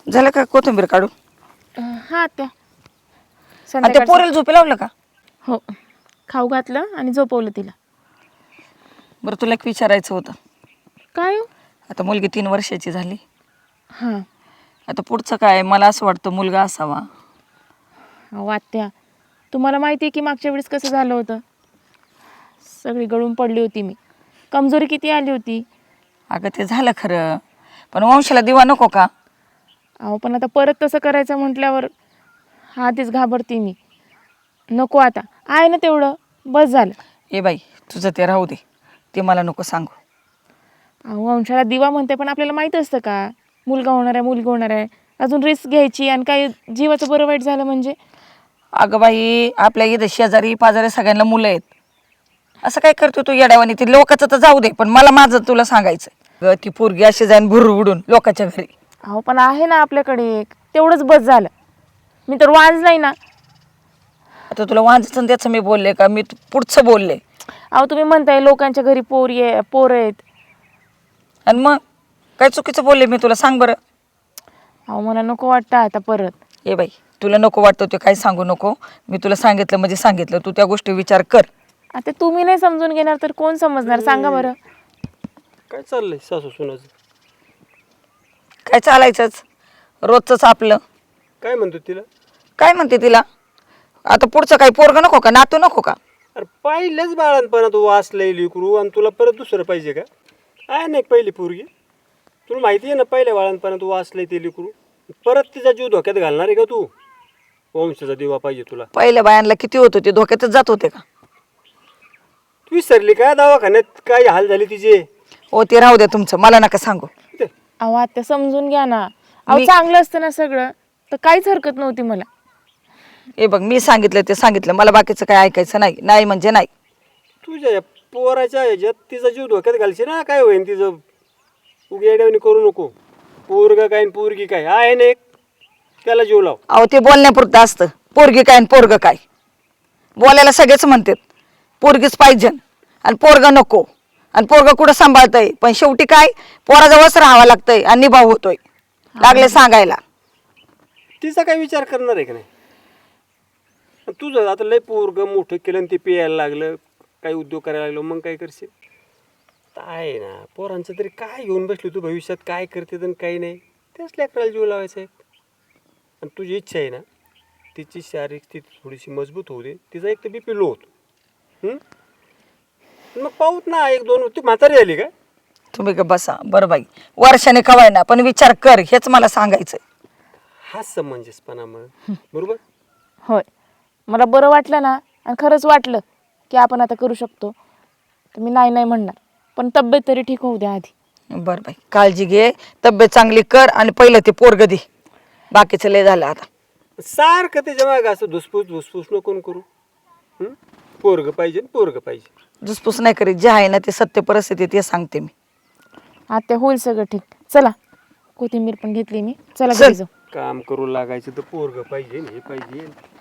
झालं का कोथिंबीर काढून? हा त्या आणि त्या संध्याकाळचं- पोरेला झोपी लावलं का? हो, खाऊ घातलं आणि झोपवलं तिला. बरं तुला एक विचारायचं होतं. काय हो? आता मुलगी 3 वर्षाची झाली. हां. आता पुढचं काय? मला असं वाटतं मुलगा असावा. अहो आत्या, तुम्हाला माहिती आहे की मागच्या वेळेस कसं झालं होतं? सगळी गळून पडली होती मी. कमजोरी किती आली होती. अगं ते झालं खरं, पण वंशाला दिवा नको का? अहो पण आता परत तसं करायचं म्हटल्यावर आधीच घाबरते मी. नको आता, आहे ना तेवढं बस झालं. ए बाई, तुझं ते राहू दे, ते मला नको सांगू. अहो वंशाला दिवा म्हणते, पण आपल्याला माहीत असतं का मुलगा होणार आहे, मुलगी होणार आहे? अजून रिस्क घ्यायची आणि काही जीवाचं बरं वाईट झालं म्हणजे? अगं बाई, आपल्या इथं शेजारी पाजारी सगळ्यांना मुलं आहेत. असं काय करतो तू येड्यावानी? ते लोकांचं तर जाऊ दे, पण मला माझं तुला सांगायचं. अगं ती पोरगी अशी जाईन भुर उडून लोकांच्या घरी. अहो पण आहे ना आपल्याकडे एक, तेवढंच बस झालं. मी तर वांज नाही ना. आता तुला वांजचं त्याचं मी बोलले का? मी पुढचं बोलले. अहो तुम्ही म्हणताय लोकांच्या घरी पोरं आहेत. आणि मग काय चुकीचं बोलले मी तुला? सांग बरं. अहो मला नको वाटतं आता परत. ए बाई, तुला नको वाटतं ते काही सांगू नको. मी तुला सांगितलं म्हणजे सांगितलं. तू त्या गोष्टी विचार कर. आता तुम्ही नाही समजून घेणार तर कोण समजणार सांगा बरं. काय चाललंय सासू सुनाचं? काय चालायचंच रोजचंच आपलं. काय म्हणतो तिला? काय म्हणते तिला? आता पुढचं काही पोरगं नको का? नातू नको का? अरे पहिल्याच बाळांपणात वाचलंय लेकरू आणि तुला परत दुसरं पाहिजे का? आहे ना एक पहिली पोरगी, तुला माहिती आहे ना पहिल्या बाळांपणात वाचलंय ते लेकरू, परत तिचा जीव धोक्यात घालणार आहे का तू? वंशाचा दिवा पाहिजे तुला. पहिल्या बायांना किती होत होते, धोक्यातच जात होते का? तू विसरली काय दवाखान्यात काय हाल झाले तिचे? हो ते राहू द्या तुमचं, मला नका सांगू. अहो आता समजून घ्या ना. अहो चांगलं असतं ना सगळं तर काहीच हरकत नव्हती मला. हे बघ, मी सांगितलं ते सांगितलं, मला बाकीचं काय ऐकायचं नाही. नाही म्हणजे नाही. तुझ्या या पोराच्या ह्याच्यात तिचा जीव धोक्यात घालशील ना, काय होईन तिचं? उगी येड्यावानी करू नको. पोरगा काय आणि पोरगी काय आहे ना एक, त्याला जीव लाव. अहो ते बोलण्यापुरतं असतं. पोरगी काय आणि पोरगं काय? बोलायला सगळेच म्हणतात पोरगीच पाहिजे आणि पोरगं नको, आणि पोरगं कुठं सांभाळतंय, पण शेवटी काय पोराजवळच राहावं लागतंय आणि निभाव होतोय. लागले सांगायला. तिचा काय विचार करणार आहे का नाही? तुझं आता लय पोरगं मोठं केलं आणि ते पियायला लागलं, काही उद्योग करायला लागलो, मग काय करशील? आहे ना पोरांचं तरी काय घेऊन बसली तू भविष्यात, काय करते आणि काही नाही, त्याच लेकराला जीव लावायचा आहे. आणि तुझी इच्छा आहे ना तिची शारीरिक स्थिती थोडीशी मजबूत होऊ दे, तिचा एक तर बी पी लो होतो. मग पाहूत ना 1-2. ती म्हातारी झाली काय? तुम्ही का बसा बरं बाई, वर्षाने कवाय ना, पण विचार कर, हेच मला सांगायचंय. हा समंजसपणा मग बरोबर. होय, मला बरं वाटलं ना आणि खरंच वाटलं की आपण आता करू शकतो तर मी नाही नाही म्हणणार, पण तब्येत तरी ठीक होऊ द्या आधी. बरं बाई, काळजी घे, तब्येत चांगली कर आणि पहिलं ते पोरगं दे. बाकीचं लय झालं आता. सारखं त्याच्या मागं असं धुसफूस नको करू. पोरगं पाहिजे पोरगं पाहिजे. दुसपूस नाही करीत, जे आहे ना ते सत्य परिस्थिती ते सांगते मी. आता होईल सगळं ठीक. चला, कोथिंबीर पण घेतली मी. चला चल. घरी जाऊ. काम करू लागायचं तर पोरगं पाहिजे हे पाहिजे.